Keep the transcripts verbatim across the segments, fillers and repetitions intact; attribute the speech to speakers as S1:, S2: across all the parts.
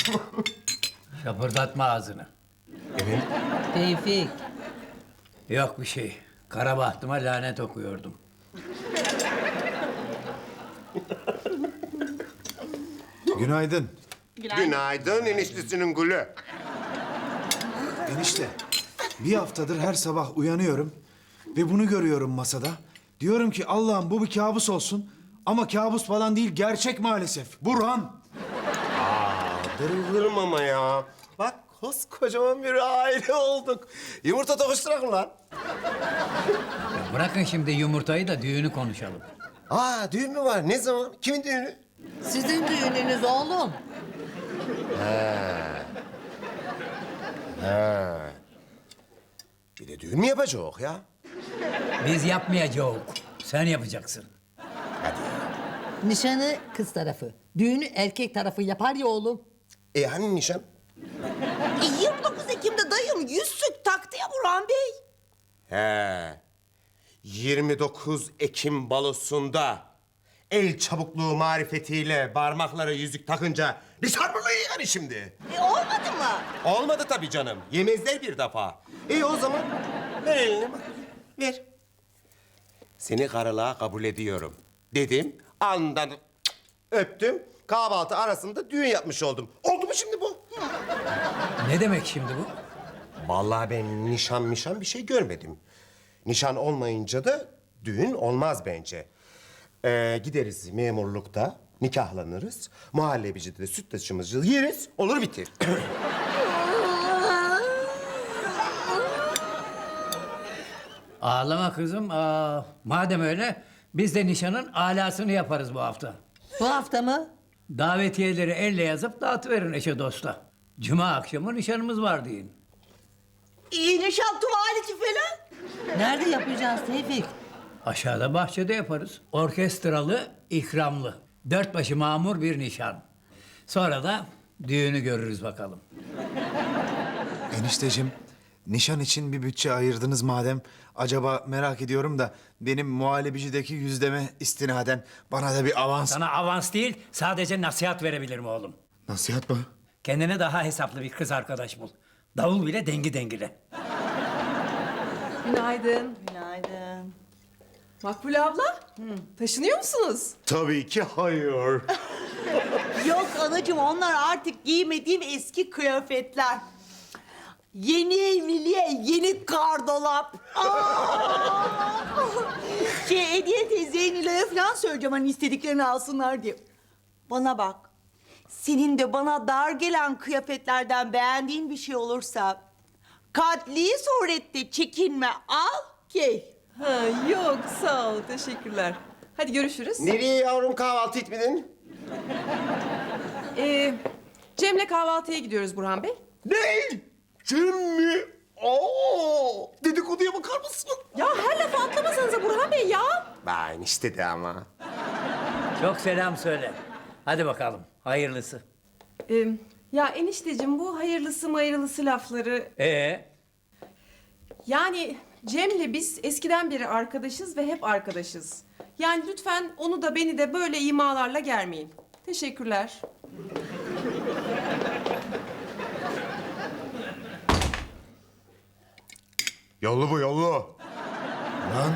S1: Şapırdatma ağzını.
S2: Evet.
S3: Tevfik.
S1: Yok bir şey. Kara bahtıma lanet okuyordum.
S4: Günaydın.
S2: Günaydın eniştesinin gülü.
S4: Enişte, bir haftadır her sabah uyanıyorum ve bunu görüyorum masada. Diyorum ki Allah'ım bu bir kabus olsun. Ama kabus falan değil, gerçek maalesef. Burhan.
S2: Darılırım ama ya. Bak koskocaman bir aile olduk. Yumurta tokuşturak mı lan?
S1: Ya bırakın şimdi yumurtayı da düğünü konuşalım.
S2: Aa düğün mü var? Ne zaman? Kimin düğünü?
S3: Sizin düğününüz oğlum.
S2: Bir de düğün mü yapacak ya?
S1: Biz yapmayacağız. Sen yapacaksın.
S3: Nişanı kız tarafı. Düğünü erkek tarafı yapar ya oğlum.
S2: E hani nişan?
S5: E, yirmi dokuz Ekim'de dayım yüzsük taktı ya Burhan Bey.
S2: He. yirmi dokuz Ekim balosunda el çabukluğu marifetiyle parmaklara yüzük takınca nişan mı yani şimdi?
S5: E, olmadı mı?
S2: Olmadı tabii canım. Yemezler bir defa. İyi o zaman ver elini bak. Ver. Seni karılığa kabul ediyorum dedim. Andan öptüm. Kahvaltı arasında düğün yapmış oldum. Oldu mu şimdi bu?
S1: Ne demek şimdi bu?
S2: Vallahi ben nişan mişan bir şey görmedim. Nişan olmayınca da düğün olmaz bence. Ee, gideriz memurlukta, nikahlanırız. Muhallebicide de süt taşımızı yeriz, olur bitir.
S1: Ağlama kızım. Aa, madem öyle biz de nişanın alasını yaparız bu hafta.
S3: Bu hafta mı?
S1: Davetiyeleri elle yazıp dağıtıverin eşe dosta. Cuma akşamı nişanımız var deyin.
S5: İyi nişan tuvaleti falan.
S3: Nerede yapacağız Tevfik?
S1: Aşağıda bahçede yaparız. Orkestralı, ikramlı. Dört başı mamur bir nişan. Sonra da düğünü görürüz bakalım.
S4: Enişteciğim, nişan için bir bütçe ayırdınız madem. Acaba merak ediyorum da benim muhallebicideki yüzdeme istinaden bana da bir avans...
S1: Sana avans değil, sadece nasihat verebilirim oğlum.
S4: Nasihat mı?
S1: Kendine daha hesaplı bir kız arkadaş bul. Davul bile dengi dengile.
S6: Günaydın.
S5: Günaydın.
S6: Makbule abla, taşınıyor musunuz?
S2: Tabii ki hayır.
S5: Yok anacığım onlar artık giymediğim eski kıyafetler. Yeni evliliğe yeni gardolap. Aa! Şey Hediye teyzeye Nilay'a falan söyleyeceğim hani istediklerini alsınlar diye. Bana bak. Senin de bana dar gelen kıyafetlerden beğendiğin bir şey olursa... ...katli surette çekinme al giy.
S6: Ha, yok sağ ol, teşekkürler. Hadi görüşürüz.
S2: Nereye yavrum kahvaltı etmedin?
S6: Ee, Cem'le kahvaltıya gidiyoruz Burhan Bey.
S2: Ne? Cem mi? Oo, dedikoduya bakar mısın?
S6: Ya her lafı atlamasanıza Burhan Bey ya.
S2: Ben işte de ama.
S1: Çok selam söyle. Hadi bakalım, hayırlısı.
S6: Ee, ya enişteciğim bu hayırlısı mayırlısı lafları...
S1: Ee,
S6: Yani Cem'le biz eskiden beri arkadaşız ve hep arkadaşız. Yani lütfen onu da beni de böyle imalarla germeyin. Teşekkürler.
S2: Yollu bu yollu.
S4: Lan,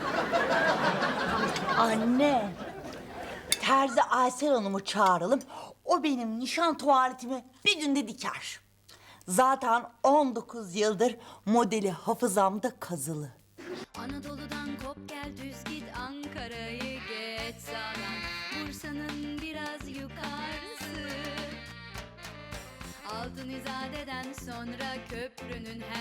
S5: Anne. Terzi Aysel Hanım'ı çağıralım. O benim nişan tuvaletimi bir günde diker. Zaten on dokuz yıldır modeli hafızamda kazılı.
S7: Anadolu'dan kop gel düz git Ankara'yı geç sağdan Bursa'nın biraz yukarısı Altın İzade'den sonra köprünün her